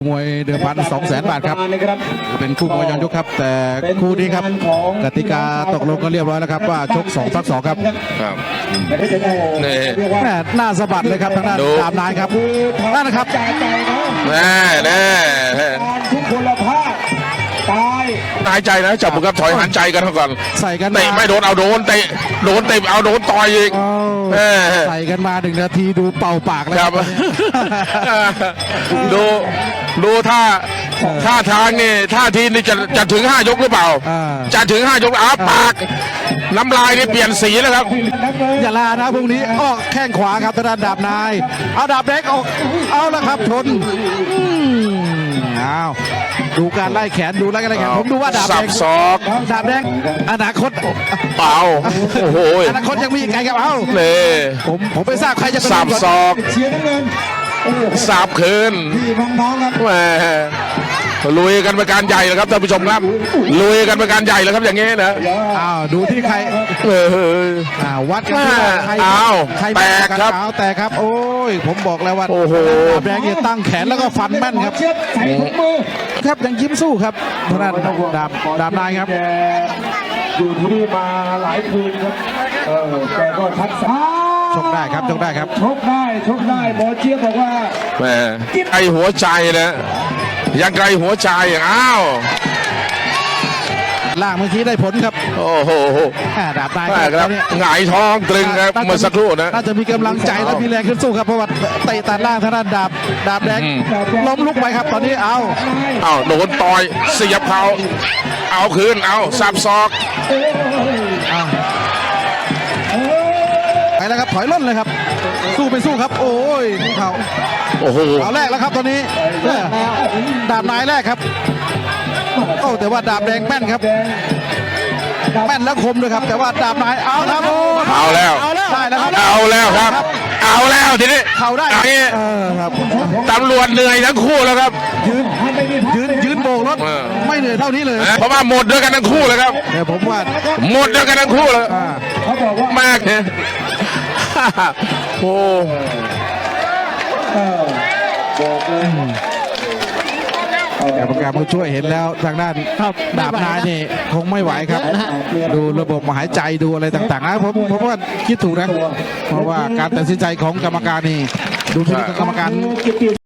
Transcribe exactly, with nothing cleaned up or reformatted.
มวยเดิมพันสองแสนบาทครับเป็นคู่มวยย้อนยุคครับแต่คู่นี้ครับกติกาตกลงกันเรียบร้อยแล้วครับว่าชกสองพักสองครับครับนี่แม่หน้าสะบัดเลยครับทางด้านดาบนายครับนั่นนะครับแน่แน่ทุกคนละภาคตายหายใจนะจับมือกับถอยหันใจกันก่อนใส่กันเตะไม่โดนเอาโดนเตะโดนเตะเอาโดนต่อยอีกใส่กันมาหนึ่งนาทีดูเป่าปากแล้วครับดูดูท่าท่าทางนี่ท่าทีนี่จะจะถึงห้ายกหรือเปล่าจะถึงห้ายกอ้าปากน้ำลายนี่เปลี่ยนสีแล้วครับอย่าลานะพรุ่งนี้ออกแข้งขวาครับทางด้านดาบนายเอาดาบเล็กออกเอาละครับชนอ้าวดูการไล่แขนดูไล่กันไล่แขนผมดูว่าดาบแดงศอกดาบแดงอนาคตเปล่าโอ้โหอนาคตยังมีอีกไกลครับเอ้าเลยผมผมไม่ทราบใครจะสับศอกสับคืนแหมลุยกันเป็นการใหญ่เลยครับท่านผู้ชมครับลุยกันเป็นการใหญ่เลยครับอย่างงี้นะอ้าวดูที่ใครเอออ้าววัดกันที่ใครอ้าวแตกครับแตกครับโอ้ยผมบอกแล้วว่าโอ้โหดาบแดงเนี่ยตั้งแขนแล้วก็ฟันแม่นครับครับยังยิ้มสู้ครับทางด้านดาบดาบนายครับอยู่ที่นี่มาหลายคืนครับเออแกก็ทักษะชกได้ครับชกได้ครับชกได้ชกได้หมอเจี๊ยบบอกว่าแหมไกลหัวใจนะยังไกลหัวใจอ้าวล่างเมื่อกี้ได้ผลครับโอ้โหดาบนายครับหงายท้องตรึงครับเมื่อสักครู่นะน่าจะมีกำลังใจและมีแรงขึ้นสู้ครับเพราะว่าเตะตัดล่างทางด้านดาบดาบแดงล้มลุกไปครับตอนนี้เอาเอาโดนต่อยเสียบเขาเอาคืนเอาสับศอกไปแล้วครับถอยล่นเลยครับสู้ไปสู้ครับโอ้ยเขาโอ้โหเอาแรกแล้วครับตอนนี้ดาบนายแรกครับโอ้แต่ว่าดาบแดงแม่นครับแม่นแล้วคมด้วยครับแต่ว่าดาบนายเอาครับเอาแล้วได้แล้วครับเอาแล้วครับเอาแล้วทีนี้เขาได้ครับตำรวจเหนื่อยทั้งคู่แล้วครับยืนยืนยืนโบกรถไม่เหนื่อยเท่านี้เลยเพราะว่าหมดด้วยกันทั้งคู่เลยครับแต่ผมว่าหมดด้วยกันทั้งคู่เลยมากเนี่ยโอ้แต่ประกาศผู้ช่วยเห็นแล้วทางด้านดาบนายนี่คงไม่ไหวครับดูระบบหายใจดูอะไรต่างๆนะผมผมว่าคิดถูกนะเพราะว่าการตัดสินใจของกรรมการนี่ดูที่กรรมการ